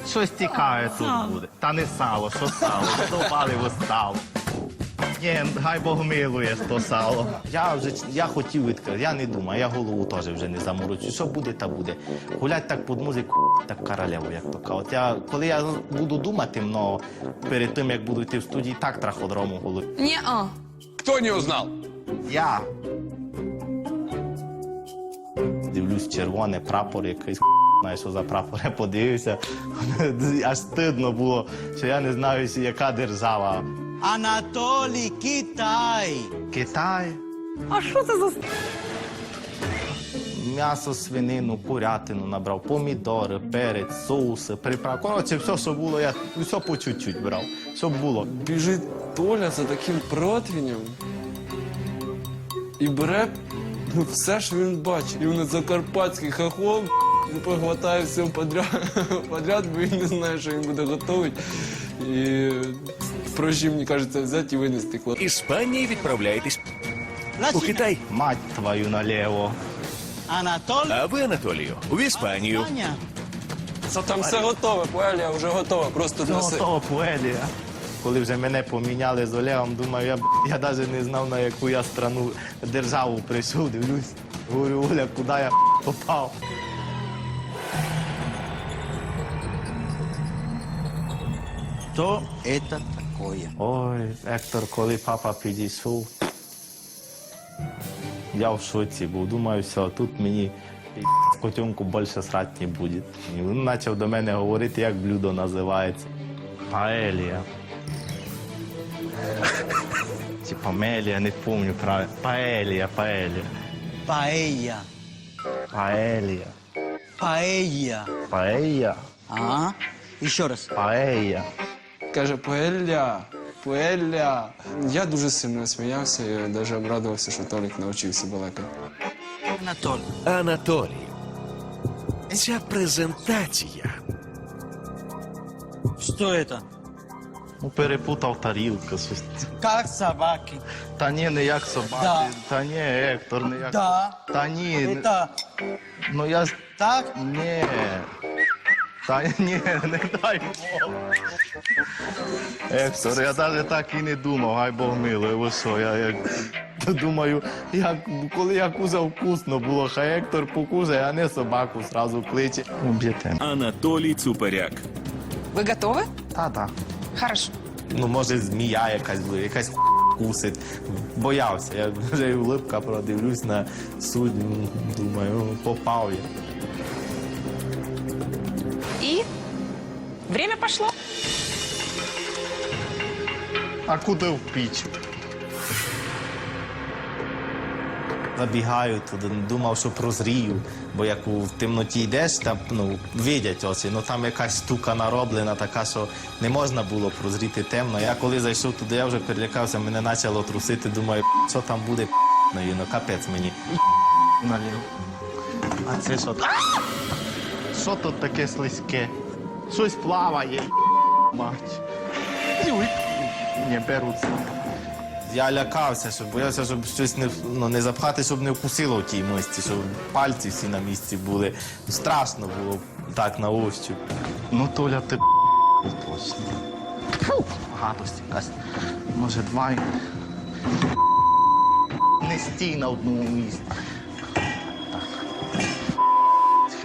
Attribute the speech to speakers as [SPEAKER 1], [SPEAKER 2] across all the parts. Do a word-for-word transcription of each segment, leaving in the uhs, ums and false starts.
[SPEAKER 1] Щось цікаве тут буде. Та не сало, що сало? Задовбали ви сало. Ні, хай Бог милує то сало. Я вже я хотів відкрити, я не думаю, я голову теж вже не заморочую. Що буде, та буде. Гулять так під музику, так королеву, як то кажуть. От я, коли я буду думати, но перед тим, як буду йти в студії, так траходрому голові.
[SPEAKER 2] Не-а.
[SPEAKER 3] Кто не узнал?
[SPEAKER 1] Я. Дивлюсь, червоний прапор якийсь, знаю, що за прапор, я подивився. Аж стидно було, що я не знаю, яка держава.
[SPEAKER 4] Анатолій, Китай.
[SPEAKER 1] Китай.
[SPEAKER 2] А що це за...
[SPEAKER 1] М'ясо, свинину, курятину набрав, помідори, перець, соуси, приправи. Коротше, все, що було, я все по чуть-чуть брав. Щоб було.
[SPEAKER 5] Біжить Толя за таким противнем і бере ну, все, що він бачить. І він закарпатський хохол, типу, хватає все подряд, подряд, бо він не знає, що він буде готувати. І проще, мені кажеться, взяти і винести клад.
[SPEAKER 6] Іспанії відправляєтесь у
[SPEAKER 4] Значить,
[SPEAKER 6] Китай.
[SPEAKER 1] Мать твою наліво.
[SPEAKER 4] Анатолій.
[SPEAKER 6] А ви, Анатолію, в Іспанію.
[SPEAKER 4] Аня.
[SPEAKER 5] Це там все готове, паелія вже готова, просто
[SPEAKER 1] Ну,
[SPEAKER 5] неси.
[SPEAKER 1] того поелія. Коли вже мене поміняли з Олегом, думаю, я, б- я навіть не знав, на яку я страну, державу прийшов, дивлюсь. Говорю, Оля, куди я попав?
[SPEAKER 4] Що це таке?
[SPEAKER 1] Ой, Ектор, коли папа підійшов, я в шоці був. Думаю, все, тут мені в котенку більше срати не буде. І він почав до мене говорити, як блюдо називається. Паелія. Чи памелія, не пам'ятаю правильно. Паелія, паелія.
[SPEAKER 4] Паella.
[SPEAKER 1] Паелія.
[SPEAKER 4] Paella.
[SPEAKER 1] Паелія.
[SPEAKER 4] Ага. Ще раз.
[SPEAKER 1] Паелія.
[SPEAKER 5] Каже, паелля, паелля. Я дуже сильно сміявся і навіть обрадувався, що Толік навчився балакати.
[SPEAKER 4] Анатолій.
[SPEAKER 6] Анатолію. Ця презентація
[SPEAKER 4] Що це?
[SPEAKER 1] Ну, перепутав тарілку. щось.
[SPEAKER 4] Як собаки.
[SPEAKER 1] Та ні, не як собаки.
[SPEAKER 4] Да.
[SPEAKER 1] Та ні, Ектор, не як...
[SPEAKER 4] Да.
[SPEAKER 1] Та ні. не-
[SPEAKER 4] Це
[SPEAKER 1] Ну я ж...
[SPEAKER 4] так?
[SPEAKER 1] Ні. Та ні, не дай Бог. Ектор, я навіть так і не думав, хай Бог милує, ви що, я як... Думаю, як, коли я кузав, вкусно було, хай Ектор покузає, а не собаку зразу кличе. Уб'єте.
[SPEAKER 6] Анатолій Цуперяк.
[SPEAKER 2] Вы готовы?
[SPEAKER 1] Та-та.
[SPEAKER 2] Хорошо.
[SPEAKER 1] Ну, може, змія якась буде, якась кусить. Боявся, я вже і улипка продивлюсь на суддю, думаю, попав я.
[SPEAKER 2] И время пошло.
[SPEAKER 1] А куди в піч? Забігаю туди, думав, що прозрію, бо як у темноті йдеш, там, ну, видять очі, ну там якась штука нароблена така, що не можна було прозріти темно. Я коли зайшов туди, я вже перелякався, мене почало трусити, думаю, що там буде, ну, капець мені. Налів. А це що? Що тут таке слизьке? Щось плаває, мать. Ой. Не беруться. Я лякався, щоб боявся, щоб щось не, ну, не запхати, щоб не вкусило в тій мисці, щоб пальці всі на місці були. Страшно було так на ощупь. Ну, Толя, ти точно. Фу, гадость якась. Може, два. й- Не стій на одному місці. Так. Хе-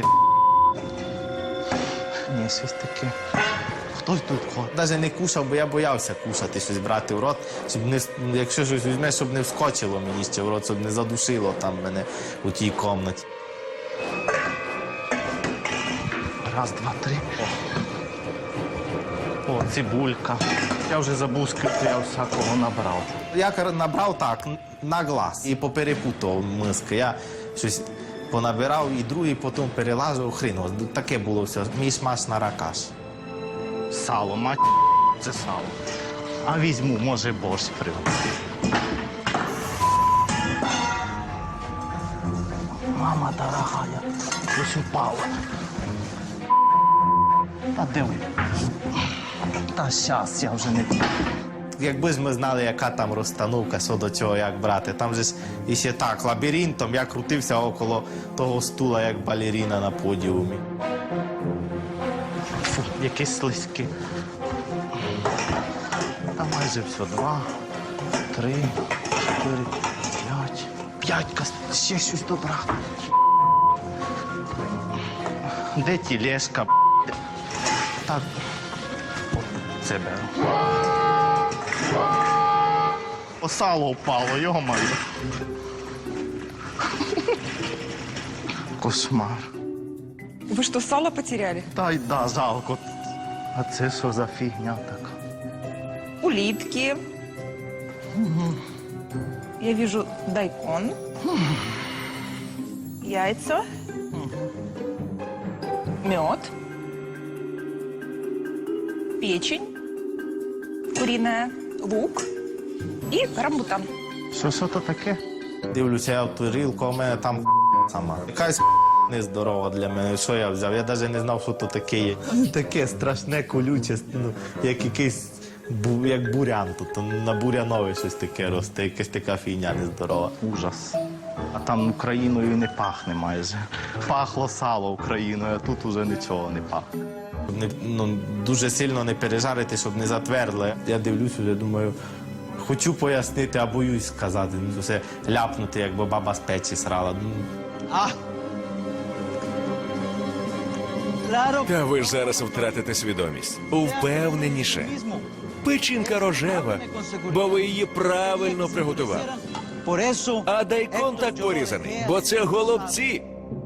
[SPEAKER 1] Ні, щось таке. Хтось тут ходить. Навіть не кушав, бо я боявся кушати, щось брати в рот, щоб не, якщо щось візьмеш, щоб не вскочило мені ще в рот, щоб не задушило там мене у тій кімнаті. Раз, два, три. О, О цибулька. Я вже забув, скільки я всякого набрав. Я кар- набрав так, на глаз, і поперепутав миски. Я щось понабирав, і другий потім перелажив хрін. От таке було все, міш-маш на ракаш. Сало, мать, це сало. А візьму, може, борщ привезти. Мама дорогая, щось упало. Та диви. Та щас, я вже не... Якби ж ми знали, яка там розстановка, що до чого, як брати. Там же ж іще так, лабіринтом, я крутився около того стула, як балеріна на подіумі. Фу. якесь слизьке. Та майже все. Два, три, чотири, п'ять. П'ятька, ще щось добра. Де тілешка? Так. Це беру. О, сало впало, йо-моє. Кошмар.
[SPEAKER 2] Вы что, сало потеряли?
[SPEAKER 1] Та й да, жалко. А це що за фігня така?
[SPEAKER 2] Улитки. Я вижу дайкон. Яйца. Мед. Печень. Куриная. Лук. И рамбутан.
[SPEAKER 1] Що, що то таке? Дивлюся, я в тарілку, а в мене там сама. Якась нездорова для мене. Що я взяв? Я навіть не знав, що то таке є. Таке страшне, колюче, ну, як якийсь бу, як бурян. Тут на бурянові щось таке росте, якась така фігня нездорова. Ужас. А там Україною і не пахне майже. Пахло сало Україною, а тут уже нічого не пахне. Не, ну, дуже сильно не пережарити, щоб не затвердли. Я дивлюсь, вже думаю, хочу пояснити, а боюсь сказати. Ну, все ляпнути, якби баба з печі срала. Ну,
[SPEAKER 4] Ah. Claro.
[SPEAKER 6] Та ви ж зараз втратите свідомість. Впевненіше. Печінка рожева, бо ви її правильно приготували.
[SPEAKER 4] Por eso.
[SPEAKER 6] А дайкон так порізаний, бо це голубці.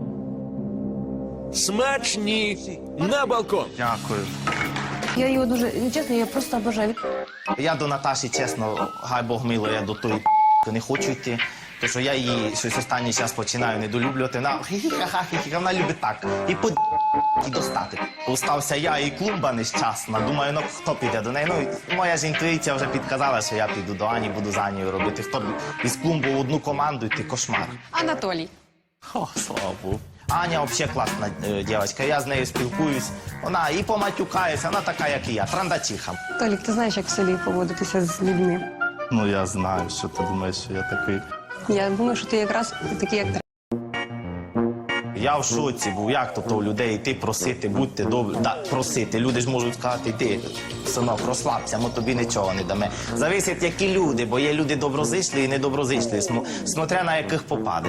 [SPEAKER 6] Смачні! На балкон!
[SPEAKER 1] дякую.
[SPEAKER 3] Я його дуже, ну, чесно, я просто обожаю.
[SPEAKER 1] Я до Наташі, чесно, хай Бог мило, я до тої не хочу йти. Тому що я її щось останній час починаю недолюблювати. Вона хі-хі-ха-хі-хі, вона любить так. І по і достати. Остався я і клумба нещасна. Думаю, ну хто піде до неї? Ну, моя ж інтуїція вже підказала, що я піду до Ані, буду за Анією робити. Хто б із клумбу в одну команду йти, кошмар.
[SPEAKER 2] Анатолий.
[SPEAKER 1] О, слава Богу. Аня взагалі класна е, дівчинка, я з нею спілкуюсь. Вона і поматюкається, вона така, як і я, трандачиха.
[SPEAKER 3] Толік, ти знаєш, як в селі поводитися з людьми.
[SPEAKER 1] Ну, я знаю, що ти думаєш, що я такий.
[SPEAKER 3] Я думаю, що ти якраз такий, як треба.
[SPEAKER 1] Я в шоці був, як то, то у людей йти просити, будьте добрі. Да, просити. Люди ж можуть сказати, йди, синок, розслабся, ми тобі нічого не дамо. Зависить, які люди, бо є люди доброзичливі і недоброзичливі, смо- смотря на яких попаде.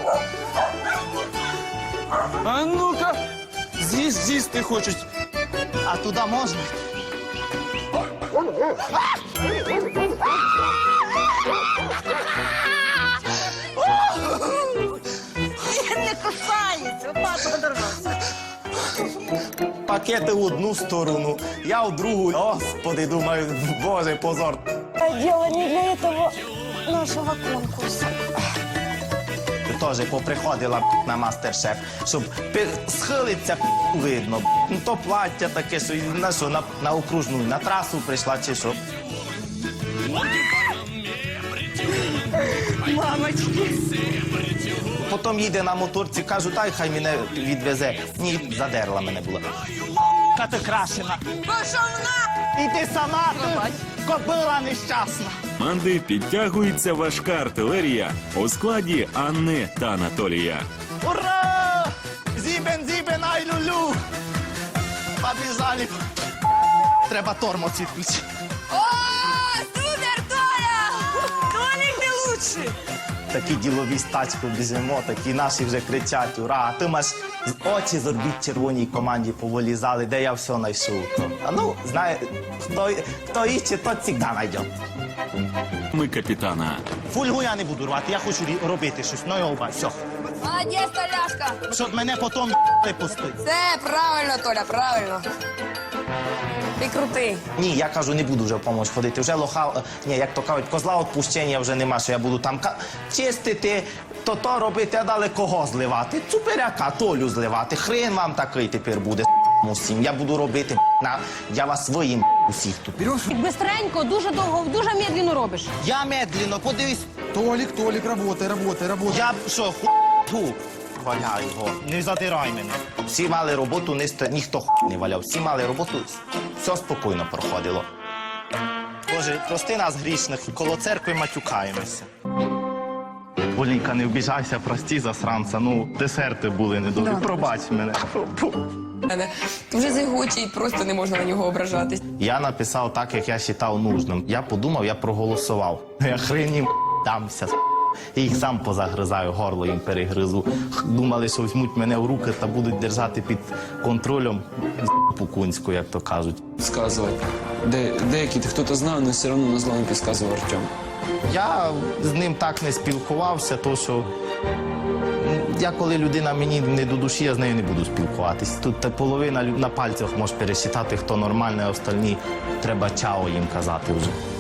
[SPEAKER 5] А ну-ка, з'їсть, з'їсти хочуть.
[SPEAKER 1] А туди можна?
[SPEAKER 2] Не кусается, папа подорвался.
[SPEAKER 1] Пакети в одну сторону, я в другу. Господи, думаю, боже, позор.
[SPEAKER 3] Дело не для этого нашого конкурсу.
[SPEAKER 1] Ти теж поприходила на мастер-шеф, щоб пи- схилиться видно. Ну то плаття таке, що на що, на, на окружну, на трасу прийшла чи що.
[SPEAKER 2] Мамочки.
[SPEAKER 1] Потім їде на моторці, кажу, дай хай мене відвезе. Ні, задерла мене була. Ка ти крашена.
[SPEAKER 2] Пошел на!
[SPEAKER 1] І ти сама, ти кобила нещасна.
[SPEAKER 7] Команди підтягується важка артилерія у складі Анни та Анатолія.
[SPEAKER 1] Ура! Зібен, зібен, ай лулю! Побіжали. Треба тормоз відключити.
[SPEAKER 2] О, супер, Толя! Толик, ты лучший!
[SPEAKER 1] Такі ділові з тачкою біжимо, такі наші вже кричать, ура! А ти маш очі з орбіт червоній команді повилізали, де я все знайшов. То. А ну, знає, хто, хто іще, то завжди знайде.
[SPEAKER 7] Ми капітана.
[SPEAKER 1] Фольгу я не буду рвати, я хочу рі- робити щось. Ну, йоба, все.
[SPEAKER 2] Молодец, Толяшка!
[SPEAKER 1] Щоб мене потім не пустити.
[SPEAKER 2] Все правильно, Толя, правильно. Ти крутий.
[SPEAKER 1] Ні, я кажу, не буду вже в помощь ходити. Вже лоха, е, ні, як то кажуть, козла відпущення вже нема, що я буду там ка- чистити, то то робити, а далі кого зливати? Цуперяка, Толю зливати. Хрен вам такий тепер буде, усім. Я буду робити, на, я вас своїм усіх тут.
[SPEAKER 3] Бистренько, дуже довго, дуже медленно робиш.
[SPEAKER 1] Я медленно, подивись,
[SPEAKER 8] Толик, Толик, работай, работай, работай.
[SPEAKER 1] я б що, ху... Фу, валяй його. Не задирай мене. Всі мали роботу, не ст- ніхто ху... не валяв. Всі мали роботу, все спокійно проходило. Боже, прости нас грішних, коло церкви матюкаємося. Олійка, не вбіжайся, прості засранця, ну, десерти були недобрі. Пробач мене. Фу.
[SPEAKER 2] мене. Дуже зигучий, просто не можна на нього ображатись.
[SPEAKER 1] Я написав так, як я вважав нужним. Я подумав, я проголосував. Я хрен їм дамся. Я їх сам позагризаю, горло їм перегризу. Думали, що візьмуть мене в руки та будуть держати під контролем пукунську, як то кажуть.
[SPEAKER 5] Підказувати. Де, деякі хто-то знав, але все одно на зло не підказував Артем.
[SPEAKER 1] Я з ним так не спілкувався, то що я, коли людина мені не до душі, я з нею не буду спілкуватись. Тут та половина лю- на пальцях можеш пересчитати, хто нормальний, а остальні треба чао їм казати вже.